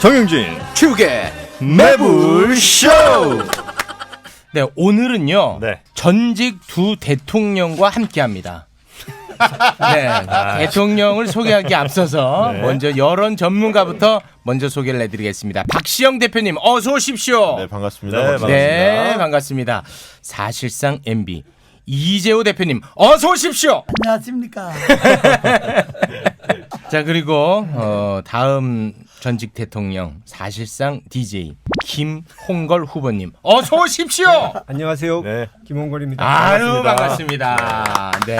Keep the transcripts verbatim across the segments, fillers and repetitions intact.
정영진 축의 매불쇼. 네, 오늘은요 네. 전직 두 대통령과 함께합니다. 네, 아. 대통령을 소개하기 앞서서 네. 먼저 여론 전문가부터 먼저 소개를 해드리겠습니다. 박시영 대표님 어서 오십시오. 네, 반갑습니다. 네, 반갑습니다. 네, 반갑습니다. 사실상 엠비 이재호 대표님 어서 오십시오. 안녕하십니까. 자, 그리고 어, 다음 전직 대통령 사실상 디제이 김홍걸 후보님 어서 오십시오. 안녕하세요. 네. 김홍걸입니다. 아유, 반갑습니다. 네.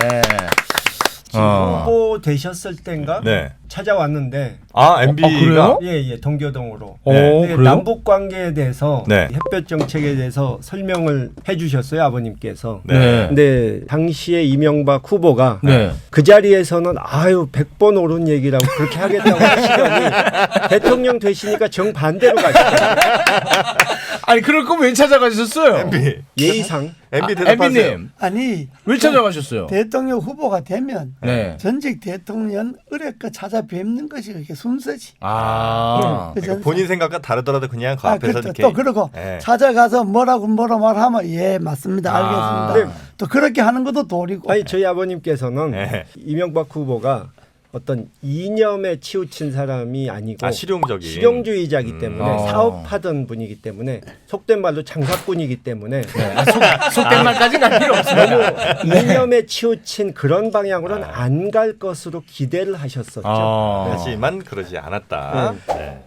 어. 후보 되셨을 땐가 네. 찾아왔는데 아, 엠비가 어, 그래요? 예예 동교동으로 오, 네, 그래요? 남북 관계에 대해서 네. 햇볕 정책에 대해서 설명을 해주셨어요 아버님께서. 네. 근데 당시에 이명박 후보가 네. 그 자리에서는 아유 백 번 옳은 얘기라고 그렇게 하겠다고 하시더니 대통령 되시니까 정반대로 가시더라고요. 아니, 그럴 거면 왜 찾아가셨어요? 엠비 예의상. 엠비 아, 대답하세요. 엠비님 아니 왜 찾아가셨어요? 대통령 후보가 되면 네. 전직 대통령 의뢰껏 찾아뵙는 것이 그렇게 순서지. 아. 그 그러니까 본인 생각과 다르더라도 그냥 그 아, 앞에서 그렇다. 이렇게 또 그러고 네. 찾아가서 뭐라고 뭐라 말하면 예 맞습니다 아. 알겠습니다. 또 그렇게 하는 것도 도리고. 아니 저희 아버님께서는 네. 이명박 후보가 어떤 이념에 치우친 사람이 아니고 아, 실용적인 실용주의자이기 음. 때문에 어. 사업하던 분이기 때문에 속된 말로 장사꾼이기 때문에 네. 아, 속, 속된 말까지는 갈 필요 없습니다. 이념에 치우친 그런 방향으로는 안 갈 것으로 기대를 하셨었죠. 어. 하지만 그러지 않았다. 네.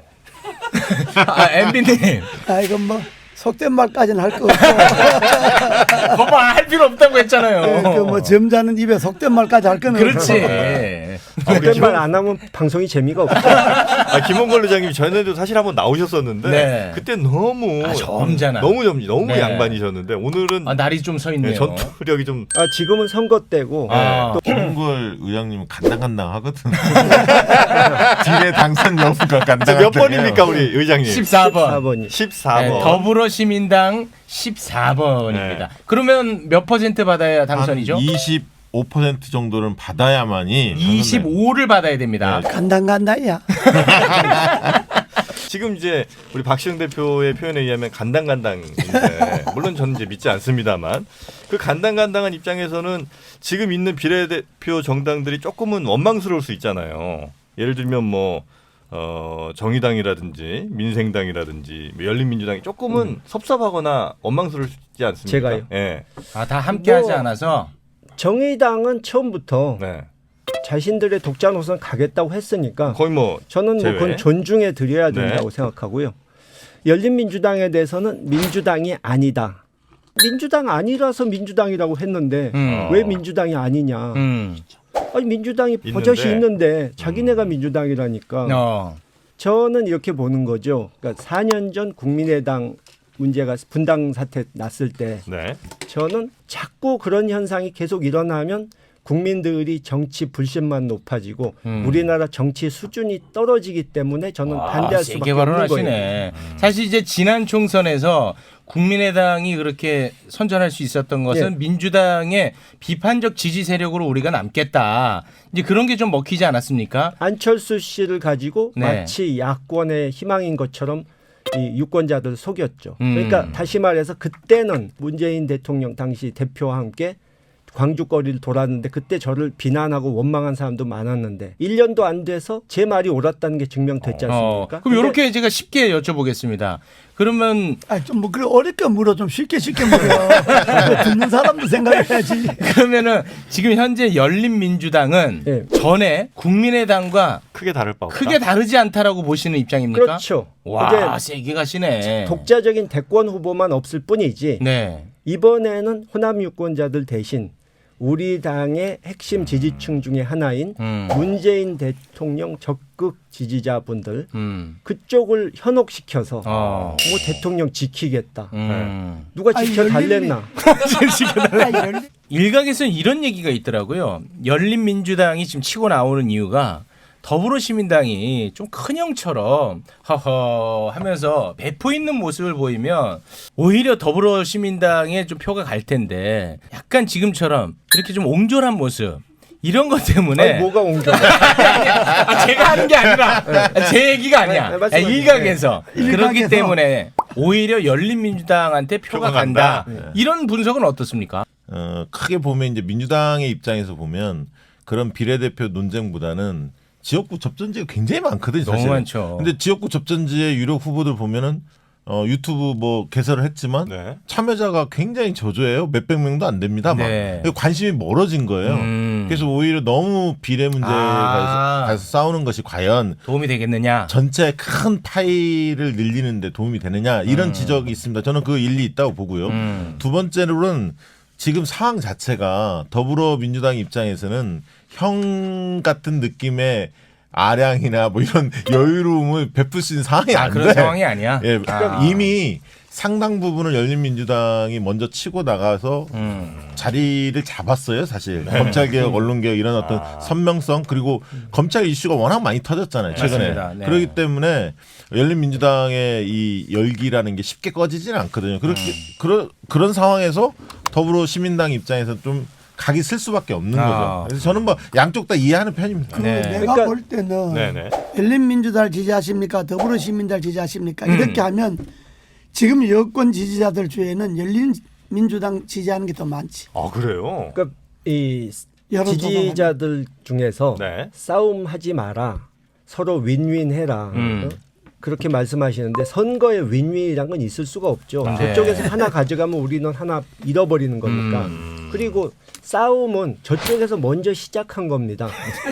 아, 엠비님. 아 이건 뭐 속된 말까지는 할 거 없고. 거봐, 할 필요 없다고 했잖아요. 그뭐 점잖은 입에 속된 말까지 할 거는 그렇지. 속된 말 안 하면 방송이 재미가 없죠. 아, 김홍걸 의장님 전에도 사실 한번 나오셨었는데 네. 그때 너무 아, 점잖아. 너무 점 너무 네. 양반이셨는데 오늘은 아, 날이 좀 서 네, 있네요. 전투력이 좀 아, 지금은 선거 때고 아. 김홍걸 의장님은 간당간당 하거든. 딜의 당선 여부가 간당간당. 몇 번입니까 우리 의장님? 십사 번. 사 번이 십사 번. 네, 더불어시민당 십사 번입니다. 네. 그러면 몇 퍼센트 받아야 당선이죠? 이십오 퍼센트 정도는 받아야만이 이십오를 받아야 됩니다. 간당간당이야. 지금 이제 우리 박시영 대표의 표현에 의하면 간당간당인데 물론 저는 이제 믿지 않습니다만 그 간당간당한 입장에서는 지금 있는 비례대표 정당들이 조금은 원망스러울 수 있잖아요. 예를 들면 뭐 어, 정의당이라든지 민생당이라든지 뭐 열린민주당이 조금은 음. 섭섭하거나 원망스럽지 않습니까? 제가요? 예. 아, 다 함께하지 뭐, 않아서. 정의당은 처음부터 네. 자신들의 독자 노선 가겠다고 했으니까 거의 뭐 저는 뭐 제외. 그건 존중해 드려야 된다고 네. 생각하고요. 열린민주당에 대해서는 민주당이 아니다. 민주당 아니라서 민주당이라고 했는데 음. 왜 민주당이 아니냐. 음. 아니 민주당이 있는데. 버젓이 있는데 자기네가 민주당이라니까. 어. 저는 이렇게 보는 거죠. 그러니까 사 년 전 국민의당 문제가 분당 사태 났을 때 네. 저는 자꾸 그런 현상이 계속 일어나면 국민들이 정치 불신만 높아지고 음. 우리나라 정치 수준이 떨어지기 때문에 저는 와, 반대할 수밖에 세게 없는 거예요. 발언하시네. 사실 이제 지난 총선에서 국민의당이 그렇게 선전할 수 있었던 것은 예. 민주당의 비판적 지지 세력으로 우리가 남겠다. 이제 그런 게 좀 먹히지 않았습니까? 안철수 씨를 가지고 네. 마치 야권의 희망인 것처럼 이 유권자들을 속였죠. 음. 그러니까 다시 말해서 그때는 문재인 대통령 당시 대표와 함께 광주거리를 돌았는데 그때 저를 비난하고 원망한 사람도 많았는데 일 년도 안 돼서 제 말이 옳았다는 게 증명됐지 않습니까? 어, 그럼 근데 이렇게 제가 쉽게 여쭤보겠습니다. 그러면 아좀뭐 그래 어렵게 물어 좀 쉽게 쉽게 물어. 그거 듣는 사람도 생각해야지. 그러면은 지금 현재 열린민주당은 예. 전에 국민의당과 크게 다를 바 없다. 크게 다르지 않다라고 보시는 입장입니까? 그렇죠. 와, 이제 세게 가시네. 독자적인 대권 후보만 없을 뿐이지 네. 이번에는 호남 유권자들 대신 우리 당의 핵심 지지층 중에 하나인 음. 문재인 대통령 적극 지지자분들 음. 그쪽을 현혹시켜서 어. 뭐 대통령 지키겠다. 음. 누가 아니, 지켜달랬나. 아, 열린- 일각에서는 이런 얘기가 있더라고요. 열린민주당이 지금 치고 나오는 이유가 더불어시민당이 좀 큰 형처럼 허허 하면서 배포 있는 모습을 보이면 오히려 더불어시민당에 좀 표가 갈 텐데 약간 지금처럼 이렇게 좀 옹졸한 모습 이런 것 때문에 아니, 뭐가 옮겨? 아, 제가 하는 게 아니라 제 얘기가 아니야. 네, 말씀하세요. 일각에서 그렇기 일각에서. 때문에 오히려 열린민주당한테 표가, 표가 간다. 간다. 이런 분석은 어떻습니까? 어, 크게 보면 이제 민주당의 입장에서 보면 그런 비례대표 논쟁보다는 지역구 접전지가 굉장히 많거든요. 너무 사실은. 많죠. 근데 지역구 접전지의 유력 후보들 보면은 어, 유튜브 뭐 개설을 했지만 네. 참여자가 굉장히 저조해요. 몇백 명도 안 됩니다. 막 네. 관심이 멀어진 거예요. 음. 그래서 오히려 너무 비례 문제에 아. 가서, 가서 싸우는 것이 과연 도움이 되겠느냐? 전체 큰 파이를 늘리는데 도움이 되느냐 이런 음. 지적이 있습니다. 저는 그 일리 있다고 보고요. 음. 두 번째로는 지금 상황 자체가 더불어민주당 입장에서는 형 같은 느낌의 아량이나 뭐 이런 여유로움을 베풀 수 있는 상황이 아, 안 그런 돼. 상황이 아니야. 예, 아. 이미 상당 부분을 열린민주당이 먼저 치고 나가서 음. 자리를 잡았어요, 사실. 검찰개혁, 언론개혁 이런 어떤 아. 선명성 그리고 검찰 이슈가 워낙 많이 터졌잖아요, 최근에. 맞습니다. 네. 그렇기 때문에 열린민주당의 이 열기라는 게 쉽게 꺼지지는 않거든요. 그렇게 음. 그런 그런 상황에서 더불어 시민당 입장에서 좀 각이 쓸 수밖에 없는 아. 거죠. 그래서 저는 뭐 양쪽 다 이해하는 편입니다. 그 네. 내가 그러니까- 볼 때는 네네. 열린민주당을 지지하십니까? 더불어시민당을 지지하십니까? 음. 이렇게 하면 지금 여권 지지자들 중에는 열린민주당 지지하는 게 더 많지. 아 그래요? 그러니까 이 여론 지지자들 중에서 네. 싸움하지 마라, 서로 윈윈해라. 음. 어? 그렇게 말씀하시는데 선거에 윈윈이란 건 있을 수가 없죠. 네. 저쪽에서 하나 가져가면 우리는 하나 잃어버리는 거니까. 음. 그리고 싸움은 저쪽에서 먼저 시작한 겁니다.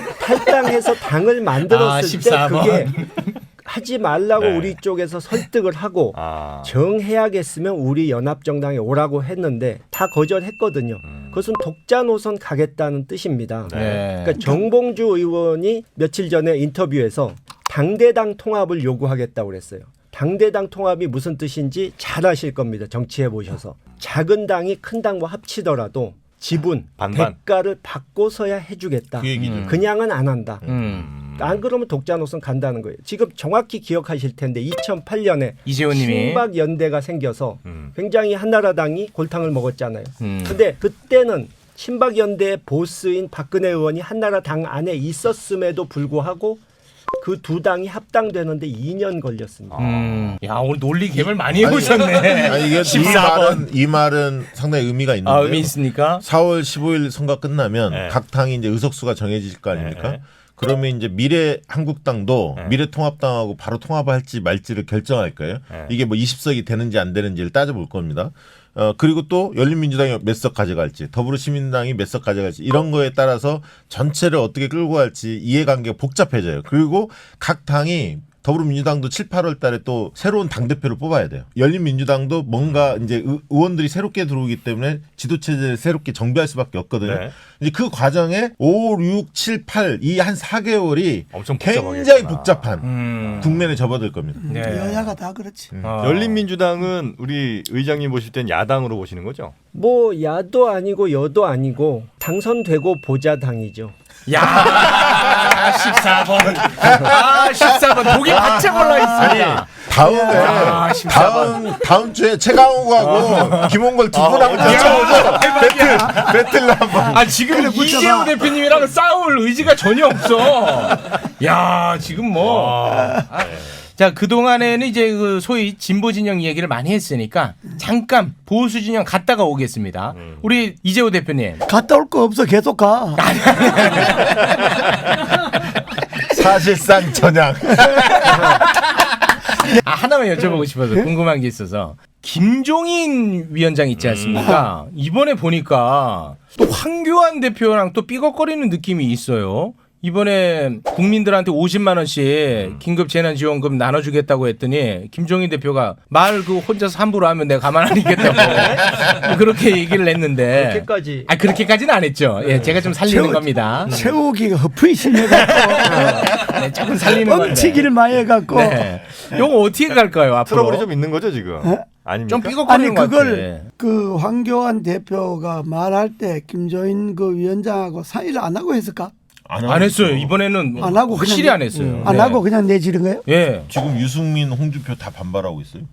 탈당해서 당을 아, 만들었을 때 십사 번. 그게 하지 말라고 네. 우리 쪽에서 설득을 하고 아. 정해야겠으면 우리 연합정당에 오라고 했는데 다 거절했거든요. 음. 그것은 독자 노선 가겠다는 뜻입니다. 네. 그러니까 정봉주 의원이 며칠 전에 인터뷰에서 당대당 통합을 요구하겠다고 그랬어요. 당대당 통합이 무슨 뜻인지 잘 아실 겁니다. 정치해 보셔서. 작은 당이 큰 당과 합치더라도 지분, 반반. 대가를 받고서야 해주겠다. 그 얘기죠. 음. 그냥은 안 한다. 음. 안 그러면 독자 노선 간다는 거예요. 지금 정확히 기억하실 텐데 이천팔 년에 이재호님이 친박 연대가 생겨서 음. 굉장히 한나라당이 골탕을 먹었잖아요. 음. 근데 그때는 친박 연대의 보스인 박근혜 의원이 한나라당 안에 있었음에도 불구하고 그 두 당이 합당되는데 이 년 걸렸습니다. 음. 야 오늘 논리 개발 많이 해보셨네. 아니, 이게 이 십사 번. 말은 이 말은 상당히 의미가 있는데. 아 의미 있습니까? 사월 십오일 선거 끝나면 네. 각 당이 이제 의석수가 정해질 거 아닙니까? 네. 그러면 이제 미래 한국당도 네. 미래통합당하고 바로 통합할지 말지를 결정할 거예요. 네. 이게 뭐 이십 석이 되는지 안 되는지를 따져볼 겁니다. 어 그리고 또 열린민주당이 몇 석 가져갈지, 더불어시민당이 몇 석 가져갈지 이런 거에 따라서 전체를 어떻게 끌고 갈지 이해관계가 복잡해져요. 그리고 각 당이 더불어민주당도 칠, 팔월 달에 또 새로운 당대표를 뽑아야 돼요. 열린민주당도 뭔가 이제 의- 의원들이 새롭게 들어오기 때문에 지도체제를 새롭게 정비할 수밖에 없거든요. 네. 이제 그 과정에 오, 육, 칠, 팔 이 한 사 개월이 엄청 굉장히 복잡하겠구나. 복잡한 음. 국면에 접어들 겁니다. 네. 여야가 다 그렇지. 어. 열린민주당은 우리 의장님 보실 땐 야당으로 보시는 거죠? 뭐 야도 아니고 여도 아니고 당선되고 보자 당이죠. 야 십사 번. 아 십사 번 독이 바짝 올라 있습니다. 다음에 야, 십사 번. 다음 다음 주에 최강욱하고 김홍걸 두 분 한번 붙여보죠. 배틀 배틀 한번. 아 지금 이재호 대표님이랑 싸울 의지가 전혀 없어. 야 지금 뭐. 아, 자 그동안에는 이제 그 소위 진보 진영 얘기를 많이 했으니까 잠깐 보수 진영 갔다가 오겠습니다. 우리 이재호 대표님. 갔다 올 거 없어. 계속 가. 사실상 전향. 아, 하나만 여쭤보고 싶어서 궁금한 게 있어서 김종인 위원장 있지 않습니까? 이번에 보니까 또 황교안 대표랑 또 삐걱거리는 느낌이 있어요. 이번에 국민들한테 오십만 원씩 긴급 재난지원금 나눠주겠다고 했더니 김종인 대표가 말 그 혼자서 함부로 하면 내가 가만 안 있겠다고 그렇게 얘기를 했는데 그렇게까지. 아 그렇게까지는 안 했죠. 예, 제가 좀 살리는 세우- 겁니다. 세우기가 허프이 심해갖고 네, 조금 살리는 건데. 뻥치기를 많이 해갖고 네. 요거 어떻게 갈까요 앞으로? 트러블이 좀 있는 거죠 지금? 아닙니까? 좀 삐걱거리는 아니 것 그걸 같아. 그 황교안 대표가 말할 때 김조인 그 위원장하고 상의를 안 하고 했을까? 안 했어요. 이번에는 안 하고 확실히 그냥 안 했어요. 안 네. 하고 그냥 내지른 거예요? 예. 지금 유승민, 홍준표 다 반발하고 있어요.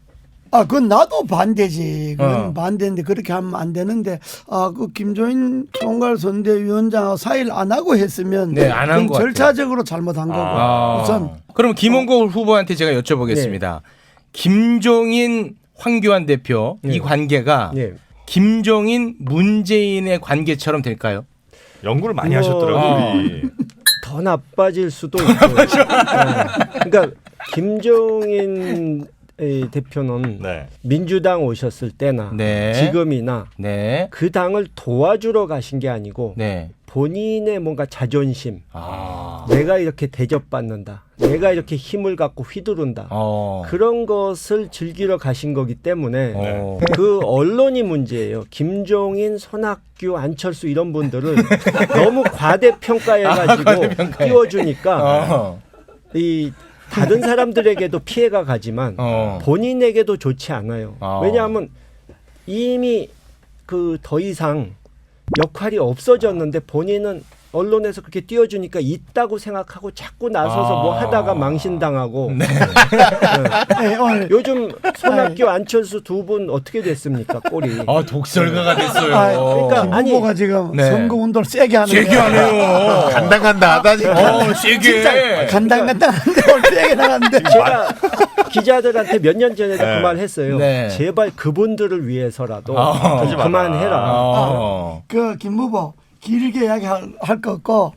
아, 그건 나도 반대지. 그건 어. 반대인데 그렇게 하면 안 되는데, 아, 그 김조인 총괄선대위원장하고 사의를 안 하고 했으면 네, 안한 그건 것 같아요. 절차적으로 잘못한 거고. 아. 우선 그럼 김원걸 후보한테 제가 여쭤보겠습니다. 김종인 황교안 대표 이 네. 관계가 예. 김종인 문재인의 관계처럼 될까요? 연구를 많이 뭐, 하셨더라고요. 어. 우리. 더 나빠질 수도 있고요. 네. 그러니까 김종인 이 대표는 네. 민주당 오셨을 때나 네. 지금이나 네. 그 당을 도와주러 가신 게 아니고 네. 본인의 뭔가 자존심, 아. 내가 이렇게 대접받는다, 내가 이렇게 힘을 갖고 휘두른다, 어. 그런 것을 즐기러 가신 거기 때문에 어. 그 언론이 문제예요. 김종인, 손학규, 안철수 이런 분들을 너무 과대평가해가지고 과대평가해. 띄워주니까 어. 이 다른 사람들에게도 피해가 가지만 어. 본인에게도 좋지 않아요. 어. 왜냐하면 이미 그 더 이상 역할이 없어졌는데 본인은 언론에서 그렇게 띄워주니까 있다고 생각하고 자꾸 나서서 아. 뭐 하다가 망신당하고. 네. 네, 오늘 요즘 손학규, 안철수 두 분 어떻게 됐습니까? 꼴이. 아, 독설가가 됐어요. 아, 그러니까 김 아니, 후보가 지금 네. 선거 운동을 세게 하는 세게 거야. 하네요. 간당간당 하다니까. 어, 세게. 간당간당한데 오늘 세게 나갔는데. 제가 기자들한테 몇 년 전에도 네. 그 말 했어요. 네. 제발 그분들을 위해서라도 아. 좀 그만해라. 어. 그 김 후보 길게 이야기할 거 없고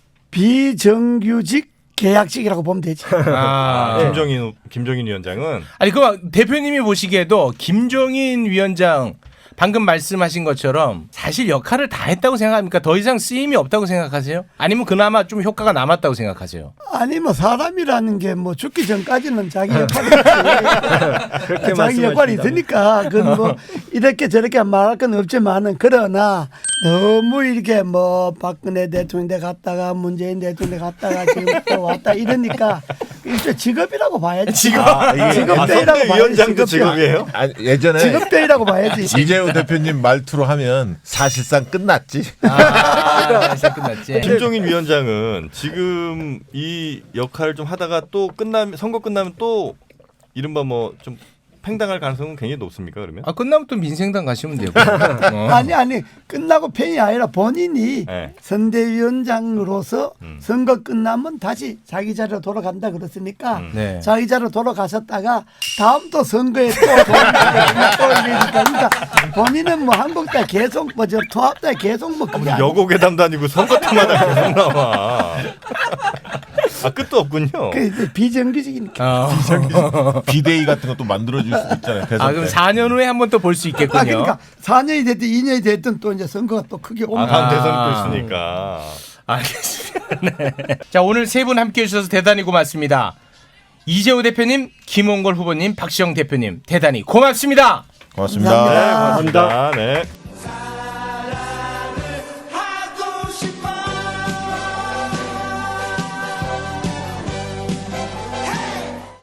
비정규직 계약직이라고 보면 되지. 아. 네. 김종인 김종인 위원장은 아니 그 대표님이 보시기에도 김종인 위원장 방금 말씀하신 것처럼 사실 역할을 다 했다고 생각합니까? 더 이상 쓰임이 없다고 생각하세요? 아니면 그나마 좀 효과가 남았다고 생각하세요? 아니 뭐 사람이라는 게 뭐 죽기 전까지는 자기 역할이 그렇게 있지. 자기 역할이 말씀하신다면. 있으니까 그건 뭐 이렇게 저렇게 말할 건 없지만은 그러나 너무 이렇게 뭐 박근혜 대통령 대 갔다가 문재인 대통령 대 갔다가 지금 또 왔다 이러니까 일종의 직업이라고 봐야지. 직업. 아, 이게 직업대라고 아, 봐야지. 위원장도 직업대. 직업이에요? 아, 예전에 직업대라고 봐야지. 이재호 대표님 말투로 하면 사실상 끝났지. 아, 이제 끝났지. 김종인 위원장은 지금 이 역할을 좀 하다가 또 끝나면 선거 끝나면 또 이른바 뭐 좀 팽당할 가능성은 굉장히 높습니까? 그러면? 아 끝나면 또 민생당 가시면 되고. 어. 아니 아니 끝나고 팬이 아니라 본인이 네. 선대위원장으로서 음. 선거 끝나면 다시 자기 자리로 돌아간다 그랬으니까 음. 네. 자기 자리로 돌아가셨다가 다음 또 선거에 또 돌아가니까 또 이러니까 그러니까 본인은 뭐 한국당 계속 뭐저 통합당 계속 뭐 그게 아니고 여고괴담도 아니고 선거 때마다 계속 나와. 아 끝도 없군요. 그 이제 비정규직이니까. 어. 비대위 같은 것도 만들어줄 수도 있잖아요. 대선 아 그럼 때. 사 년 후에 한 번 또 볼 수 있겠군요. 아 그러니까 사 년이 됐든 이 년이 됐든 또 이제 선거가 또 크게 아 오면 다음 아. 대선이 또 있으니까. 알겠습니다. 네. 자 오늘 세 분 함께해 주셔서 대단히 고맙습니다. 이재호 대표님, 김홍걸 후보님, 박시영 대표님 대단히 고맙습니다. 고맙습니다. 네, 감사합니다. 고맙습니다. 네.